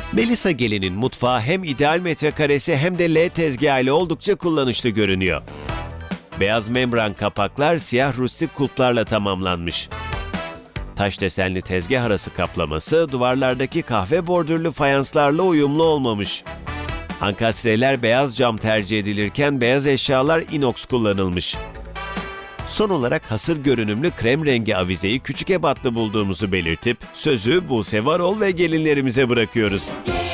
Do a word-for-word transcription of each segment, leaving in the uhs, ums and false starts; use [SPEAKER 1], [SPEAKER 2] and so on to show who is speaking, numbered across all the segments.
[SPEAKER 1] Melisa Gelin'in mutfağı hem ideal metrekaresi hem de L tezgahı ile oldukça kullanışlı görünüyor. Beyaz membran kapaklar siyah rustik kulplarla tamamlanmış. Taş desenli tezgah arası kaplaması duvarlardaki kahve bordürlü fayanslarla uyumlu olmamış. Ankastreler beyaz cam tercih edilirken beyaz eşyalar inox kullanılmış. Son olarak hasır görünümlü krem rengi avizeyi küçük ebatlı bulduğumuzu belirtip sözü Buse Varol ve gelinlerimize bırakıyoruz.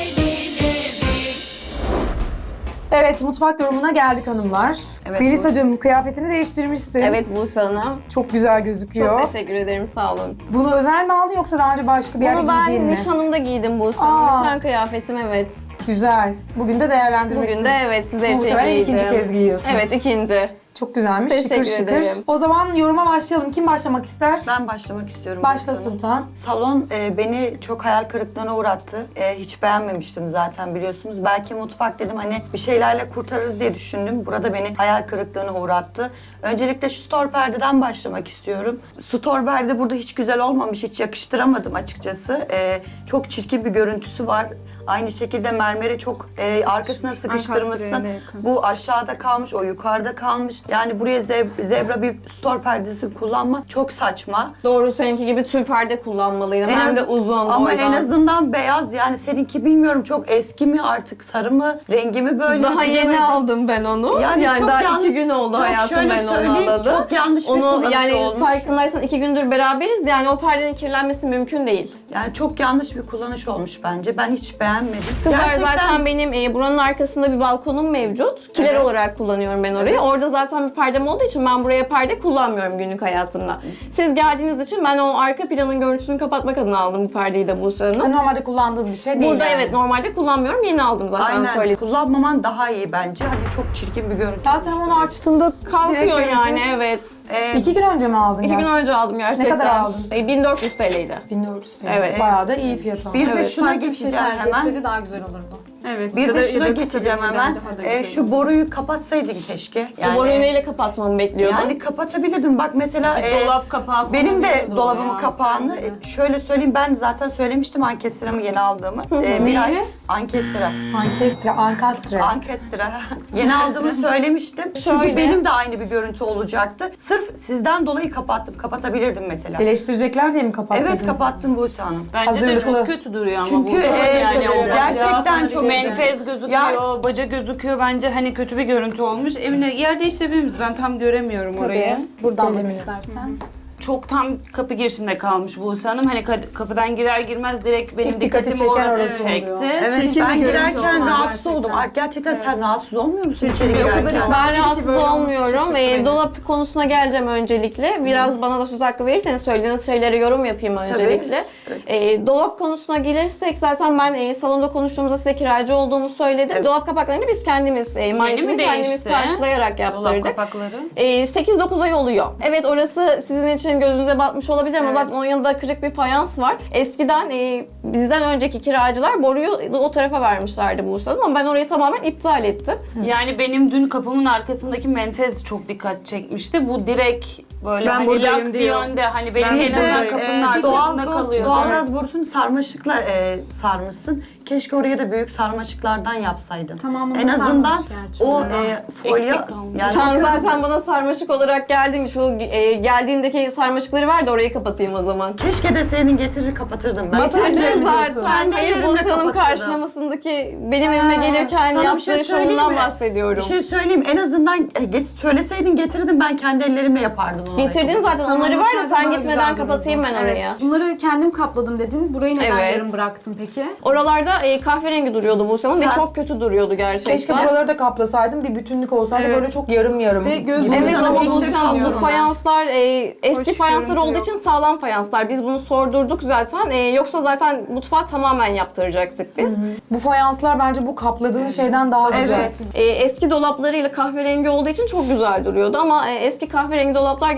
[SPEAKER 2] Evet, mutfak yorumuna geldik hanımlar.
[SPEAKER 3] Evet,
[SPEAKER 2] Melisa'cığım kıyafetini değiştirmişsin.
[SPEAKER 4] Evet Buse Hanım.
[SPEAKER 2] Çok güzel gözüküyor.
[SPEAKER 4] Çok teşekkür ederim, sağ olun.
[SPEAKER 2] Bunu özel mi aldın yoksa daha önce başka bir yerde
[SPEAKER 4] Bunu ben
[SPEAKER 2] giydiğin mi?
[SPEAKER 4] nişanımda giydim Buse Hanım.
[SPEAKER 2] Aa.
[SPEAKER 4] Nişan kıyafetim, evet.
[SPEAKER 2] Güzel. Bugün de değerlendirmek
[SPEAKER 4] Bugün de evet sizler için
[SPEAKER 2] Muhtemelen
[SPEAKER 4] giydim.
[SPEAKER 2] ikinci kez giyiyorsun.
[SPEAKER 4] Evet, ikinci.
[SPEAKER 2] Çok güzelmiş.
[SPEAKER 4] Teşekkür
[SPEAKER 2] şıkır şıkır.
[SPEAKER 4] ederim.
[SPEAKER 2] O zaman yoruma başlayalım. Kim başlamak ister?
[SPEAKER 3] Ben başlamak istiyorum.
[SPEAKER 2] Başla
[SPEAKER 3] Buse Hanım.
[SPEAKER 2] Sultan.
[SPEAKER 3] Salon e, beni çok hayal kırıklığına uğrattı. E, hiç beğenmemiştim zaten biliyorsunuz. Belki mutfak dedim hani bir şeylerle kurtarırız diye düşündüm. Burada beni hayal kırıklığına uğrattı. Öncelikle şu stor perdeden başlamak istiyorum. Stor perde burada hiç güzel olmamış. Hiç yakıştıramadım açıkçası. E, çok çirkin bir görüntüsü var. Aynı şekilde mermeri çok e, arkasına sıkıştırmışsın. Bu aşağıda kalmış, o yukarıda kalmış. Yani buraya zeb- zebra bir stor perdesi kullanma çok saçma.
[SPEAKER 4] Doğru, seninki gibi tül perde kullanmalıydım.
[SPEAKER 3] En
[SPEAKER 4] Hem
[SPEAKER 3] az-
[SPEAKER 4] de uzun
[SPEAKER 3] Ama
[SPEAKER 4] boydan.
[SPEAKER 3] en azından beyaz, yani seninki bilmiyorum çok eski mi artık, sarı mı, rengi mi böyle?
[SPEAKER 4] Daha yeni
[SPEAKER 3] bilemedim.
[SPEAKER 4] aldım ben onu.
[SPEAKER 3] Yani
[SPEAKER 4] Yani,
[SPEAKER 3] çok
[SPEAKER 4] daha
[SPEAKER 3] yanlış-
[SPEAKER 4] iki gün oldu
[SPEAKER 3] çok
[SPEAKER 4] hayatım
[SPEAKER 3] şöyle
[SPEAKER 4] ben onu
[SPEAKER 3] söyleyeyim,
[SPEAKER 4] alalı.
[SPEAKER 3] çok yanlış bir
[SPEAKER 4] onu,
[SPEAKER 3] kullanışı
[SPEAKER 4] yani
[SPEAKER 3] olmuş.
[SPEAKER 4] farkındaysan iki gündür beraberiz. Yani o perdenin kirlenmesi mümkün değil.
[SPEAKER 3] Yani çok yanlış bir kullanış olmuş bence. Ben hiç beğenmedim.
[SPEAKER 4] Kızlar zaten benim e, buranın arkasında bir balkonum mevcut. Kiler
[SPEAKER 3] Evet.
[SPEAKER 4] olarak kullanıyorum ben orayı.
[SPEAKER 3] Evet.
[SPEAKER 4] Orada zaten bir perdem olduğu için ben buraya perde kullanmıyorum günlük hayatımda. Siz geldiğiniz için ben o arka planın görüntüsünü kapatmak adına aldım bu perdeyi de Buse Hanım.
[SPEAKER 2] Normalde kullandığın bir şey değil
[SPEAKER 4] Burada
[SPEAKER 2] yani.
[SPEAKER 4] evet normalde kullanmıyorum. Yeni aldım zaten
[SPEAKER 3] Aynen.
[SPEAKER 4] söyledim.
[SPEAKER 3] Kullanmaman daha iyi bence. Hani çok çirkin bir görüntü.
[SPEAKER 2] Zaten
[SPEAKER 3] olmuş.
[SPEAKER 2] onu açtığında
[SPEAKER 4] Kalkıyor
[SPEAKER 2] direkt
[SPEAKER 4] yani
[SPEAKER 2] görüntü-
[SPEAKER 4] evet.
[SPEAKER 3] Ee,
[SPEAKER 2] İki gün önce mi aldın?
[SPEAKER 4] İki gün
[SPEAKER 2] gerçekten?
[SPEAKER 4] önce aldım gerçekten.
[SPEAKER 2] kadar aldın?
[SPEAKER 4] E, bin dört yüz T L'ydi.
[SPEAKER 2] bin dört yüz.
[SPEAKER 4] Evet.
[SPEAKER 2] Bayağı da iyi fiyat aldı.
[SPEAKER 3] bir de
[SPEAKER 4] Evet.
[SPEAKER 3] şuna
[SPEAKER 5] Farklı bir şey
[SPEAKER 3] geçeceğim
[SPEAKER 5] tercih
[SPEAKER 3] hemen.
[SPEAKER 5] etseydi daha güzel olurdu.
[SPEAKER 6] Evet.
[SPEAKER 3] Bir
[SPEAKER 6] ya
[SPEAKER 3] de
[SPEAKER 6] da-
[SPEAKER 3] şuna
[SPEAKER 6] ya da kısa
[SPEAKER 3] geçeceğim
[SPEAKER 6] bir
[SPEAKER 3] hemen.
[SPEAKER 6] daha da
[SPEAKER 3] Ee,
[SPEAKER 6] güzel
[SPEAKER 3] şu
[SPEAKER 6] olur.
[SPEAKER 3] boruyu kapatsaydın keşke.
[SPEAKER 4] Bu boruyu neyle kapatmamı bekliyordum?
[SPEAKER 3] Yani kapatabilirdim. Bak mesela
[SPEAKER 6] Bir
[SPEAKER 3] e,
[SPEAKER 6] dolap kapağı
[SPEAKER 3] benim de
[SPEAKER 6] konabilirdi
[SPEAKER 3] dolabımın
[SPEAKER 6] oraya.
[SPEAKER 3] kapağını e, şöyle söyleyeyim, ben zaten söylemiştim ankestramı yeni aldığımı. E, bir ay
[SPEAKER 2] Neyini?
[SPEAKER 3] ankestra.
[SPEAKER 2] Ankestre, ankastre.
[SPEAKER 3] Ankestra. Yeni aldığımı söylemiştim. Çünkü
[SPEAKER 4] Şöyle.
[SPEAKER 3] benim de aynı bir görüntü olacaktı. Sırf sizden dolayı kapattım. Kapatabilirdim mesela.
[SPEAKER 2] Eleştirecekler diye mi kapattın?
[SPEAKER 3] Evet, kapattım Buse Hanım.
[SPEAKER 6] Bence de
[SPEAKER 2] Hazırlıklı.
[SPEAKER 6] çok kötü duruyor ama
[SPEAKER 3] Çünkü
[SPEAKER 6] bu.
[SPEAKER 3] e,
[SPEAKER 6] yani o
[SPEAKER 3] gerçekten çok
[SPEAKER 6] menfez gözüküyor,
[SPEAKER 3] Ya-
[SPEAKER 6] baca gözüküyor. Bence hani kötü bir görüntü olmuş. Evine yer değiştirebilir miyiz? Ben tam göremiyorum orayı.
[SPEAKER 5] Buradan bak
[SPEAKER 2] Gelemini.
[SPEAKER 5] istersen.
[SPEAKER 6] Çok tam kapı girişinde kalmış Buse Hanım. Hani ka- kapıdan girer girmez direkt benim
[SPEAKER 2] İlk dikkati
[SPEAKER 6] dikkatimi
[SPEAKER 2] çeken
[SPEAKER 6] orası
[SPEAKER 2] orası oluyor.
[SPEAKER 6] çekti.
[SPEAKER 3] Evet,
[SPEAKER 5] Çirkin
[SPEAKER 3] ben
[SPEAKER 5] bir görüntü
[SPEAKER 3] girerken
[SPEAKER 5] oldu
[SPEAKER 3] rahatsız
[SPEAKER 5] gerçekten.
[SPEAKER 3] oldum. Ay, gerçekten sen rahatsız olmuyor musun içeri
[SPEAKER 5] o kadar
[SPEAKER 3] girerken?
[SPEAKER 4] Ben rahatsız
[SPEAKER 5] böyle olması
[SPEAKER 4] olmuyorum.
[SPEAKER 5] şaşırttı
[SPEAKER 4] Ee,
[SPEAKER 5] beni.
[SPEAKER 4] dolap konusuna geleceğim öncelikle. Biraz bana da söz hakkı verirseniz söylediğiniz şeylere yorum yapayım öncelikle. Ee, dolap konusuna gelirsek zaten ben e, salonda konuştuğumuzda size kiracı olduğumu söyledim.
[SPEAKER 3] Evet.
[SPEAKER 4] Dolap kapaklarını biz kendimiz, e, maliyetini
[SPEAKER 6] mi
[SPEAKER 4] kendimiz
[SPEAKER 6] değişti?
[SPEAKER 4] karşılayarak
[SPEAKER 6] Dolap
[SPEAKER 4] yaptırdık.
[SPEAKER 6] kapakları.
[SPEAKER 4] Ee, sekiz dokuz ay oluyor. Evet, orası sizin için gözünüze batmış olabilir ama zaten onun yanında kırık bir fayans var. Eskiden e, bizden önceki kiracılar boruyu o tarafa vermişlerdi Buse Hanım ama ben orayı tamamen iptal ettim.
[SPEAKER 6] Yani benim dün kapımın arkasındaki menfez çok dikkat çekmişti. Bu direkt böyle
[SPEAKER 7] Ben
[SPEAKER 6] hani
[SPEAKER 7] buradayım
[SPEAKER 6] lak
[SPEAKER 7] diyor.
[SPEAKER 6] yönde hani benim
[SPEAKER 7] Ben
[SPEAKER 6] en azından
[SPEAKER 7] buradayım.
[SPEAKER 6] kapının
[SPEAKER 3] Ee,
[SPEAKER 6] arkasında
[SPEAKER 3] doğal,
[SPEAKER 6] kalıyor.
[SPEAKER 3] doğalgaz borusunu sarmaşıkla e, sarmışsın. Keşke oraya da büyük sarmaşıklardan yapsaydın.
[SPEAKER 5] Tamamını
[SPEAKER 3] En azından
[SPEAKER 5] sarmamış gerçi
[SPEAKER 3] o
[SPEAKER 5] orada.
[SPEAKER 3] e, folyo...
[SPEAKER 6] Eksik kalmış.
[SPEAKER 3] Yani
[SPEAKER 4] Sen zaten bana sarmaşık olarak geldin. Şu e, geldiğindeki sarmaşıkları ver de orayı kapatayım o zaman.
[SPEAKER 3] keşke deseydin, getirir kapatırdım ben.
[SPEAKER 4] Batırdın
[SPEAKER 3] Kendi
[SPEAKER 4] zaten. Hayır,
[SPEAKER 3] ellerimle
[SPEAKER 4] Buse Hanım
[SPEAKER 3] kapatırdım.
[SPEAKER 4] karşılamasındaki benim evime gelirken
[SPEAKER 3] Sana bir
[SPEAKER 4] yaptığı
[SPEAKER 3] şey söyleyeyim
[SPEAKER 4] şovundan
[SPEAKER 3] mi?
[SPEAKER 4] bahsediyorum.
[SPEAKER 3] Bir şey söyleyeyim, en azından e, get, söyleseydin getirdim, ben kendi ellerimle yapardım onu.
[SPEAKER 4] Getirdin zaten, onları ver de
[SPEAKER 5] Tamam,
[SPEAKER 4] sen
[SPEAKER 5] daha
[SPEAKER 4] gitmeden
[SPEAKER 5] güzel
[SPEAKER 4] kapatayım ben
[SPEAKER 5] dururdu.
[SPEAKER 4] oraya.
[SPEAKER 5] Bunları kendim kapladım dedin. Burayı neden
[SPEAKER 4] Evet.
[SPEAKER 5] yarım bıraktın peki?
[SPEAKER 4] Oralarda e, kahverengi duruyordu Buse Hanım ve
[SPEAKER 3] Sen-
[SPEAKER 4] çok kötü duruyordu gerçekten.
[SPEAKER 2] Keşke buraları da kaplasaydım, bir bütünlük olsaydı
[SPEAKER 7] Evet.
[SPEAKER 2] böyle çok yarım yarım.
[SPEAKER 5] Ve göz-
[SPEAKER 2] gibi.
[SPEAKER 4] Evet
[SPEAKER 3] Sana
[SPEAKER 4] ama
[SPEAKER 3] ilk
[SPEAKER 4] Buse Hanım bu
[SPEAKER 3] düşünüyorum ben.
[SPEAKER 4] fayanslar e, eski
[SPEAKER 7] Hoş
[SPEAKER 4] fayanslar
[SPEAKER 7] görüntü
[SPEAKER 4] olduğu
[SPEAKER 7] yok.
[SPEAKER 4] için sağlam fayanslar. Biz bunu sordurduk zaten. E, yoksa zaten mutfağı tamamen yaptıracaktık biz.
[SPEAKER 2] Bu fayanslar bence bu kapladığın şeyden daha güzel.
[SPEAKER 3] Evet.
[SPEAKER 4] E, eski dolaplarıyla kahverengi olduğu için çok güzel duruyordu ama e, eski kahverengi dolaplar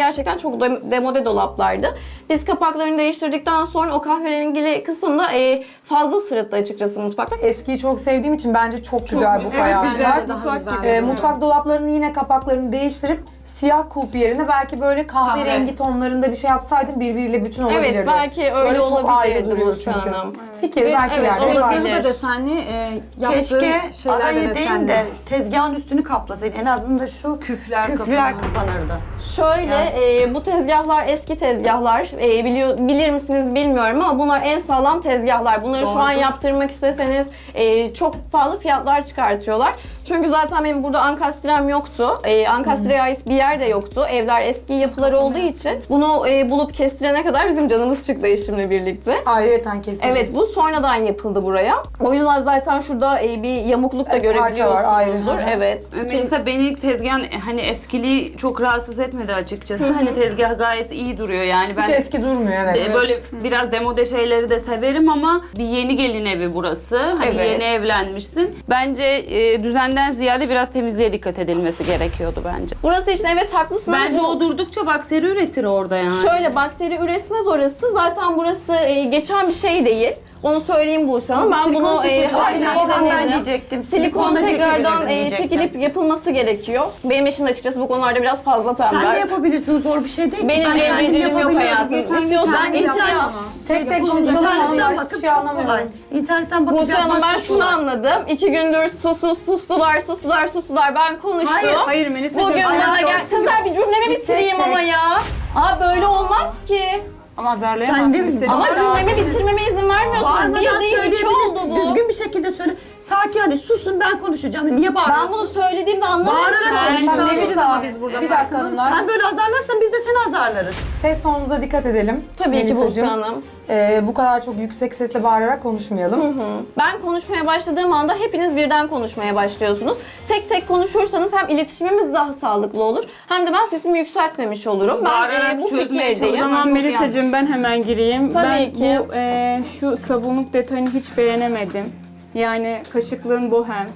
[SPEAKER 4] gerçekten çok de- demode dolaplardı. Biz kapaklarını değiştirdikten sonra o kahverengili kısımda e, fazla sırıttı açıkçası mutfakta.
[SPEAKER 2] Eskiyi çok sevdiğim için bence çok güzel bu
[SPEAKER 5] Evet,
[SPEAKER 2] fayanslar.
[SPEAKER 5] güzel, daha
[SPEAKER 6] Mutfak
[SPEAKER 5] güzel.
[SPEAKER 6] gibi.
[SPEAKER 2] Ee, mutfak dolaplarının yine kapaklarını değiştirip siyah kulp yerine belki böyle kahverengi
[SPEAKER 6] Kahve.
[SPEAKER 2] tonlarında bir şey yapsaydım birbiriyle bütün olabilirdi.
[SPEAKER 4] Evet, belki öyle
[SPEAKER 2] Böyle çok ayrı
[SPEAKER 4] olabilirdi
[SPEAKER 2] duruyor
[SPEAKER 4] Buse
[SPEAKER 2] çünkü.
[SPEAKER 4] Hanım.
[SPEAKER 2] Fikir
[SPEAKER 4] Ve
[SPEAKER 2] belki
[SPEAKER 4] evet,
[SPEAKER 2] ileride
[SPEAKER 4] olabilir.
[SPEAKER 2] var.
[SPEAKER 5] Tezgahı da desenli, e, yaptığı
[SPEAKER 3] Keşke
[SPEAKER 5] şeyler de
[SPEAKER 3] arayı değil
[SPEAKER 5] desenli.
[SPEAKER 3] de tezgahın üstünü kaplasaydın. En azından şu
[SPEAKER 6] Küfler
[SPEAKER 3] küfler
[SPEAKER 6] kapanır.
[SPEAKER 3] kapanırdı.
[SPEAKER 4] Şöyle e, bu tezgahlar eski tezgahlar. E, biliyor bilir misiniz bilmiyorum ama bunlar en sağlam tezgahlar. Bunları şu an
[SPEAKER 3] Doğrudur.
[SPEAKER 4] yaptırmak isteseniz e, çok pahalı fiyatlar çıkartıyorlar. Çünkü zaten benim burada ankastrem yoktu. E, ankastreye ait bir yer de yoktu. Evler eski yapılar olduğu için bunu e, bulup kestirene kadar bizim canımız çıktı eşimle birlikte.
[SPEAKER 2] Ayrıyeten kesin.
[SPEAKER 4] Evet, bu sonradan yapıldı buraya. O yüzden zaten şurada e, bir yamukluk da
[SPEAKER 2] Evet, parça var, ayrı.
[SPEAKER 4] görebiliyorsunuzdur. Evet.
[SPEAKER 6] Mesela beni tezgahın hani eskiliği çok rahatsız etmedi açıkçası. Hani tezgah gayet iyi duruyor yani.
[SPEAKER 2] Hiç
[SPEAKER 6] Ben
[SPEAKER 2] eski durmuyor evet.
[SPEAKER 6] e, böyle biraz demode şeyleri de severim ama bir yeni gelin evi burası. Hani
[SPEAKER 4] Evet.
[SPEAKER 6] yeni evlenmişsin. Bence e, düzenden ziyade biraz temizliğe dikkat edilmesi gerekiyordu bence.
[SPEAKER 4] Burası için evet haklısın ama
[SPEAKER 6] Bence
[SPEAKER 4] bu-
[SPEAKER 6] o durdukça bakteri üretir orada yani.
[SPEAKER 4] Şöyle bakteri üretmez orası. Zaten burası e, geçen bir şey değil. Onu söyleyeyim Buse Hanım. Ben
[SPEAKER 2] Silikon
[SPEAKER 4] bunu e,
[SPEAKER 2] çekilip-
[SPEAKER 3] Aynen
[SPEAKER 4] haşlayıp
[SPEAKER 3] ben
[SPEAKER 4] denedim.
[SPEAKER 3] diyecektim.
[SPEAKER 4] Silikon
[SPEAKER 3] Silikonla
[SPEAKER 4] tekrardan
[SPEAKER 3] çekebilirdin
[SPEAKER 4] e,
[SPEAKER 3] diyecektim.
[SPEAKER 4] çekilip yapılması gerekiyor. Benim eşim de açıkçası bu konularda biraz fazla tembel.
[SPEAKER 3] Sen de yapabilirsin, zor bir şey değil ki.
[SPEAKER 4] Benim
[SPEAKER 3] Ben
[SPEAKER 4] el
[SPEAKER 3] kendim
[SPEAKER 4] becerim yok
[SPEAKER 3] yapabiliyorum.
[SPEAKER 4] hayatım.
[SPEAKER 5] Geçen gün
[SPEAKER 4] İstiyorsan
[SPEAKER 5] kendim
[SPEAKER 4] git
[SPEAKER 5] yaptım
[SPEAKER 4] ya.
[SPEAKER 5] onu.
[SPEAKER 2] Tek tek konuşalım.
[SPEAKER 3] İnternetten
[SPEAKER 2] Onlar hiçbir
[SPEAKER 3] bakıp
[SPEAKER 2] şey
[SPEAKER 3] çok kolay.
[SPEAKER 2] anlamıyorum.
[SPEAKER 3] İnternetten bakıp
[SPEAKER 4] Buse Hanım
[SPEAKER 3] yapmak
[SPEAKER 4] ben
[SPEAKER 3] çok
[SPEAKER 4] şunu
[SPEAKER 3] kolay.
[SPEAKER 4] anladım. İki gündür susuz sustular, sustular, sustular. Ben konuştum.
[SPEAKER 3] Hayır,
[SPEAKER 7] Hayır Melisa'cığım.
[SPEAKER 4] Bugün bana
[SPEAKER 3] alakası
[SPEAKER 4] gel.
[SPEAKER 3] yok.
[SPEAKER 4] Kızlar bir cümlemi bitireyim
[SPEAKER 3] tek.
[SPEAKER 4] ama ya. Aa böyle olmaz ki.
[SPEAKER 7] Ama azarlayamazsın.
[SPEAKER 3] Sen değil mi?
[SPEAKER 7] istediğin
[SPEAKER 4] Ama
[SPEAKER 7] kadar.
[SPEAKER 4] cümlemi bitirmeme izin vermiyorsunuz.
[SPEAKER 3] Bağırmadan
[SPEAKER 4] Bir değil iki oldu
[SPEAKER 3] söyleyebilirsin.
[SPEAKER 4] bu.
[SPEAKER 3] Düzgün bir şekilde söyle. Sakin hani susun ben konuşacağım. Niye bağırıyorsun?
[SPEAKER 4] Ben bunu söylediğimde anlamıyorsun.
[SPEAKER 3] Bağırarak
[SPEAKER 6] Sen-
[SPEAKER 2] Sen
[SPEAKER 3] konuşsan
[SPEAKER 2] ne
[SPEAKER 3] olur.
[SPEAKER 2] biliriz ama biz burada. Bir dakika hanımlar.
[SPEAKER 3] Sen böyle azarlarsan biz de seni azarlarız.
[SPEAKER 2] Ses tonumuza dikkat edelim.
[SPEAKER 4] Tabii ki Buse
[SPEAKER 2] Melisacığım.
[SPEAKER 4] Hanım.
[SPEAKER 2] Ee, bu kadar çok yüksek sesle bağırarak konuşmayalım.
[SPEAKER 4] Ben konuşmaya başladığım anda hepiniz birden konuşmaya başlıyorsunuz. Tek tek konuşursanız hem iletişimimiz daha sağlıklı olur hem de ben sesimi yükseltmemiş olurum. Ben
[SPEAKER 6] Bağırarak
[SPEAKER 4] e, bu
[SPEAKER 6] çözmeye
[SPEAKER 7] O
[SPEAKER 4] fikirdeyim.
[SPEAKER 6] çalışma.
[SPEAKER 7] zaman
[SPEAKER 6] Çok
[SPEAKER 7] Melisa'cığım
[SPEAKER 6] yanlış.
[SPEAKER 7] ben hemen gireyim.
[SPEAKER 4] Tabii
[SPEAKER 7] ben
[SPEAKER 4] ki.
[SPEAKER 7] bu e, şu sabunluk detayını hiç beğenemedim. Yani kaşıklığın bohem.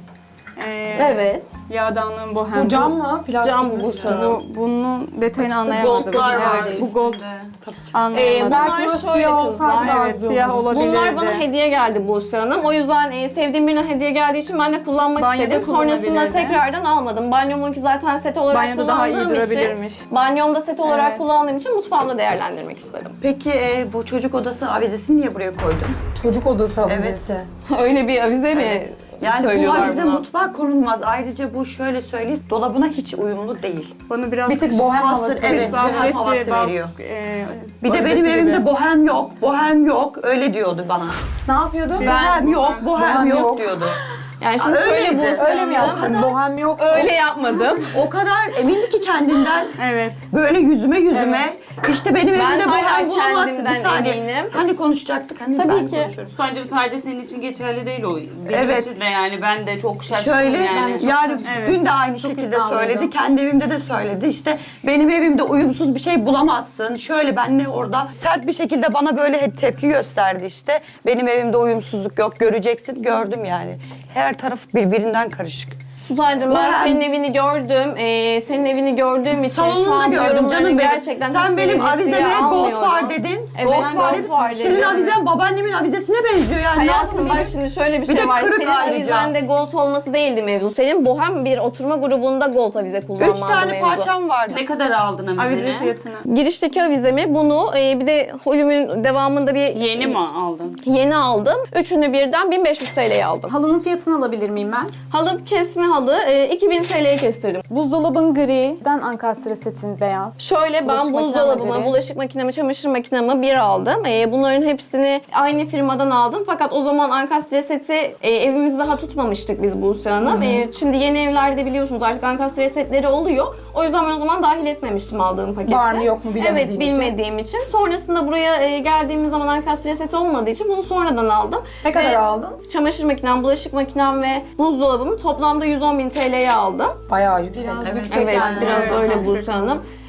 [SPEAKER 7] E,
[SPEAKER 4] Evet.
[SPEAKER 7] Yağdanlığın bohem.
[SPEAKER 2] Bu cam mı? Plastik
[SPEAKER 4] Cam
[SPEAKER 2] mi?
[SPEAKER 4] bu sanırım.
[SPEAKER 7] Bu, bunun detayını anlayamadım.
[SPEAKER 6] Goldlar var.
[SPEAKER 7] Evet, bu gold
[SPEAKER 6] üstünde.
[SPEAKER 7] anlayamadım.
[SPEAKER 4] Ee,
[SPEAKER 2] Belki
[SPEAKER 4] Bunlar
[SPEAKER 2] burası
[SPEAKER 4] şöyle
[SPEAKER 2] siyah
[SPEAKER 4] kızlar.
[SPEAKER 2] olsaydı daha
[SPEAKER 7] Evet,
[SPEAKER 2] güzel
[SPEAKER 7] siyah
[SPEAKER 2] olurdu.
[SPEAKER 7] olabilirdi.
[SPEAKER 4] Bunlar bana hediye geldi Buse Hanım. O yüzden e, sevdiğim birine hediye geldiği için ben de kullanmak
[SPEAKER 7] Banyoda
[SPEAKER 4] istedim. Sonrasında
[SPEAKER 7] kullanabilirdi.
[SPEAKER 4] tekrardan almadım. Banyomunki zaten set olarak
[SPEAKER 7] Banyoda daha iyi
[SPEAKER 4] kullandığım için,
[SPEAKER 7] durabilirmiş.
[SPEAKER 4] banyomda set olarak
[SPEAKER 7] Evet.
[SPEAKER 4] kullandığım için mutfağımda değerlendirmek istedim.
[SPEAKER 3] Peki e, bu çocuk odası avizesini niye buraya koydun?
[SPEAKER 2] Çocuk odası avizesi.
[SPEAKER 4] Öyle bir avize mi
[SPEAKER 3] Evet. Yani bu
[SPEAKER 4] söylüyorlar
[SPEAKER 3] avize
[SPEAKER 4] buna?
[SPEAKER 3] mutfağa konulmaz. Ayrıca bu şöyle söyleyeyim, dolabına hiç uyumlu değil.
[SPEAKER 7] Bana biraz
[SPEAKER 2] Bir tık
[SPEAKER 7] kış-
[SPEAKER 2] bohem
[SPEAKER 3] Hasır,
[SPEAKER 2] havası.
[SPEAKER 3] evet.
[SPEAKER 7] kış
[SPEAKER 3] bohem
[SPEAKER 7] bahçesi,
[SPEAKER 3] havası
[SPEAKER 7] bak,
[SPEAKER 3] veriyor.
[SPEAKER 7] e,
[SPEAKER 3] Bir de
[SPEAKER 7] bahçesi
[SPEAKER 3] benim
[SPEAKER 7] gibi.
[SPEAKER 3] evimde bohem yok, bohem yok. Öyle diyordu bana.
[SPEAKER 2] Ne yapıyordu?
[SPEAKER 3] Bohem yok, bohem
[SPEAKER 2] Bohem
[SPEAKER 3] yok
[SPEAKER 2] yok.
[SPEAKER 3] diyordu.
[SPEAKER 4] Yani şimdi
[SPEAKER 3] Aa,
[SPEAKER 4] şöyle
[SPEAKER 3] öyleydi.
[SPEAKER 4] Buse
[SPEAKER 2] Öyle mi
[SPEAKER 4] Hanım,
[SPEAKER 2] yaptın? Bohem yok.
[SPEAKER 4] öyle yapmadım.
[SPEAKER 3] O kadar emindi ki kendinden.
[SPEAKER 7] Evet.
[SPEAKER 3] Böyle yüzüme yüzüme. İşte benim
[SPEAKER 4] Ben
[SPEAKER 3] evimde
[SPEAKER 4] hala
[SPEAKER 3] bohem bulamazsın.
[SPEAKER 4] kendimden
[SPEAKER 3] Bir saniye.
[SPEAKER 4] eminim.
[SPEAKER 3] Hani konuşacaktık, hani
[SPEAKER 4] Tabii
[SPEAKER 3] ben
[SPEAKER 4] ki.
[SPEAKER 3] konuşuyoruz.
[SPEAKER 6] Bence sadece senin için geçerli değil o. Benim
[SPEAKER 3] Evet.
[SPEAKER 6] için de yani ben de çok şaşkınım
[SPEAKER 3] Şöyle
[SPEAKER 6] yani.
[SPEAKER 3] yani,
[SPEAKER 6] Çok
[SPEAKER 7] Evet.
[SPEAKER 3] dün de aynı şekilde
[SPEAKER 2] iddialıydı.
[SPEAKER 3] söyledi. Kendi evimde de söyledi. İşte benim evimde uyumsuz bir şey bulamazsın. Şöyle benle orada sert bir şekilde bana böyle hep tepki gösterdi işte. Benim evimde uyumsuzluk yok, göreceksin. Gördüm yani. Her taraf birbirinden karışık.
[SPEAKER 4] Suzancığım ben
[SPEAKER 3] Bohem.
[SPEAKER 4] senin evini gördüm. Ee, senin evini gördüğüm için şu
[SPEAKER 3] Salonunda
[SPEAKER 4] an
[SPEAKER 3] gördüm
[SPEAKER 4] yorumlarını
[SPEAKER 3] canım benim.
[SPEAKER 4] gerçekten
[SPEAKER 3] Sen
[SPEAKER 4] hiçbir
[SPEAKER 3] benim
[SPEAKER 4] ciddiye
[SPEAKER 3] avizeme gold
[SPEAKER 4] almıyorum.
[SPEAKER 3] var dedin.
[SPEAKER 4] Evet,
[SPEAKER 3] gold var
[SPEAKER 4] gold
[SPEAKER 3] dedin.
[SPEAKER 4] var
[SPEAKER 3] Senin
[SPEAKER 4] dedim.
[SPEAKER 3] avizen babaannemin avizesine benziyor yani. Ne
[SPEAKER 4] Hayatım
[SPEAKER 3] yapayım?
[SPEAKER 4] bak şimdi şöyle bir
[SPEAKER 3] Bir
[SPEAKER 4] şey
[SPEAKER 3] de
[SPEAKER 4] var.
[SPEAKER 3] kırık
[SPEAKER 4] Senin
[SPEAKER 3] ayrıca.
[SPEAKER 4] avizende gold olması değildi mevzu. Senin bohem bir oturma grubunda gold avize kullanmandı
[SPEAKER 3] Üç tane
[SPEAKER 4] mevzu.
[SPEAKER 3] parçam vardı.
[SPEAKER 6] Ne kadar aldın
[SPEAKER 7] Avize
[SPEAKER 6] avizeni?
[SPEAKER 7] fiyatını.
[SPEAKER 4] Girişteki avizemi bunu e, bir de holümün devamında bir
[SPEAKER 6] Yeni mi aldın?
[SPEAKER 4] yeni aldım. Üçünü birden bin beş yüz T L'ye aldım.
[SPEAKER 5] Halının fiyatını alabilir miyim ben?
[SPEAKER 4] Halı kesme halı e, iki bin T L'ye kestirdim.
[SPEAKER 5] Buzdolabın griden ankastre setin beyaz.
[SPEAKER 4] Şöyle ben
[SPEAKER 5] Bulaşık
[SPEAKER 4] buzdolabımı,
[SPEAKER 5] makineme
[SPEAKER 4] bulaşık makinemi, çamaşır makinemi bir aldım. Ee, bunların hepsini aynı firmadan aldım. Fakat o zaman ankastre seti e, evimizde daha tutmamıştık biz Buse Hanım. Ee, şimdi yeni evlerde biliyorsunuz artık ankastre setleri oluyor. O yüzden ben o zaman dahil etmemiştim aldığım paketi.
[SPEAKER 2] Var mı yok mu bilemediğim
[SPEAKER 4] Evet bilmediğim için. Sonrasında buraya e, geldiğimiz zaman ankastre seti olmadığı için bunu sonradan aldım.
[SPEAKER 2] Ne kadar
[SPEAKER 4] Ve
[SPEAKER 2] aldın?
[SPEAKER 4] Çamaşır makinem, bulaşık makinem ve buzdolabımı toplamda yüz on bin T L'ye aldım.
[SPEAKER 2] Bayağı yüksek.
[SPEAKER 5] Biraz
[SPEAKER 3] Evet.
[SPEAKER 5] yüksek
[SPEAKER 4] Evet,
[SPEAKER 5] yani.
[SPEAKER 4] biraz
[SPEAKER 7] Evet,
[SPEAKER 4] öyle
[SPEAKER 7] yüksek
[SPEAKER 4] Buse Hanım.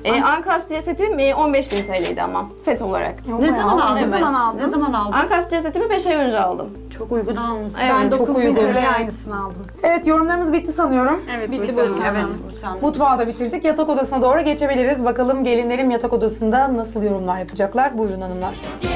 [SPEAKER 4] E, Ankastre setim e, on beş bin T L'ydi ama set olarak.
[SPEAKER 3] Ne zaman aldın?
[SPEAKER 5] Ne zaman aldın?
[SPEAKER 3] Ne zaman aldın?
[SPEAKER 4] Ankastre setimi beş ay önce aldım.
[SPEAKER 3] Çok uygun almışsın.
[SPEAKER 4] Evet,
[SPEAKER 5] Ben
[SPEAKER 2] çok
[SPEAKER 5] dokuz bin
[SPEAKER 2] uygun.
[SPEAKER 5] T L'ye aynısını aldım.
[SPEAKER 2] Evet, yorumlarımız bitti sanıyorum.
[SPEAKER 7] Evet,
[SPEAKER 5] Bitti
[SPEAKER 7] Buse
[SPEAKER 5] bu
[SPEAKER 7] Hanım.
[SPEAKER 3] Evet, Buse Hanım.
[SPEAKER 2] Mutfağı da bitirdik. Yatak odasına doğru geçebiliriz. Bakalım gelinlerim yatak odasında nasıl yorumlar yapacaklar. Buyurun hanımlar.